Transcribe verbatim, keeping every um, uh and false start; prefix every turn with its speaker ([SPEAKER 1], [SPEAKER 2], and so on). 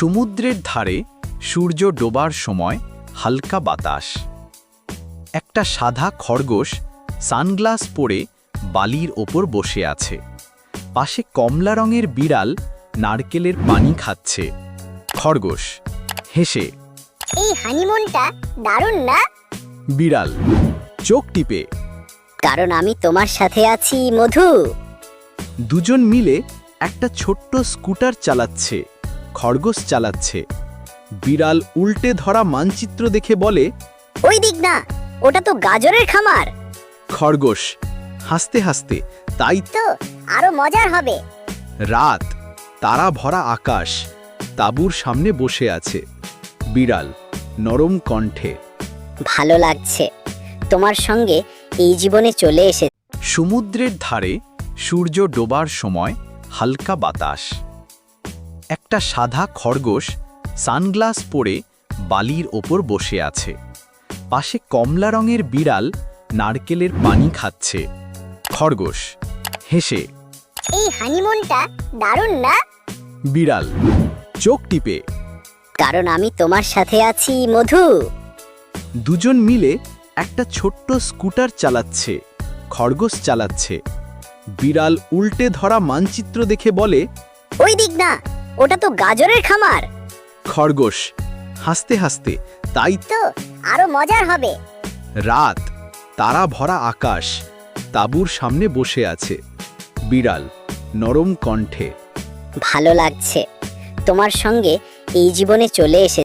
[SPEAKER 1] সমুদ্রের ধারে সূর্য ডোবার সময় হালকা বাতাস। একটা সাদা খরগোশ সানগ্লাস পরে বালির ওপর বসে আছে। পাশে কমলা রঙের বিড়াল নারকেলের পানি খাচ্ছে। খরগোশ হেসে,
[SPEAKER 2] এই হানিমুনটা দারুণ না?
[SPEAKER 1] বিড়াল চোখ টিপে,
[SPEAKER 2] কারণ আমি তোমার সাথে আছি মধু।
[SPEAKER 1] দুজন মিলে একটা ছোট্ট স্কুটার চালাচ্ছে। খরগোশ চালাচ্ছে। বিড়াল উল্টে ধরা মানচিত্র দেখে বলে,
[SPEAKER 2] ওই দিক না, ওটা তো গাজরের খামার।
[SPEAKER 1] খরগোশ হাসতে হাসতে, তাই
[SPEAKER 2] তো আরো মজার হবে।
[SPEAKER 1] রাত, তারা ভরা আকাশ, তাঁবুর সামনে বসে আছে। বিড়াল নরম কণ্ঠে,
[SPEAKER 2] ভালো লাগছে তোমার সঙ্গে এই জীবনে চলে এসে।
[SPEAKER 1] সমুদ্রের ধারে সূর্য ডোবার সময় হালকা বাতাস। একটা সাদা খরগোশ সানগ্লাস পরে বালির ওপর বসে আছে। পাশে কমলা রঙের বিড়াল নারকেলের পানি খাচ্ছে। খরগোশ হেসে,
[SPEAKER 2] এই হানিমুনটা দারুণ না?
[SPEAKER 1] বিড়াল চোখ টিপে,
[SPEAKER 2] কারণ আমি তোমার সাথে আছি মধু।
[SPEAKER 1] দুজন মিলে একটা ছোট্ট স্কুটার চালাচ্ছে। খরগোশ চালাচ্ছে। বিড়াল উল্টে ধরা মানচিত্র দেখে বলে,
[SPEAKER 2] ওই দিক না, ওটা তো গাজরের খামার।
[SPEAKER 1] খরগোশ হাসতে হাসতে, তাই
[SPEAKER 2] তো আরো মজার হবে।
[SPEAKER 1] রাত, তারা ভরা আকাশ, তাঁবুর সামনে বসে আছে। বিড়াল নরম কণ্ঠে,
[SPEAKER 2] ভালো লাগছে তোমার সঙ্গে এই জীবনে চলে এসে।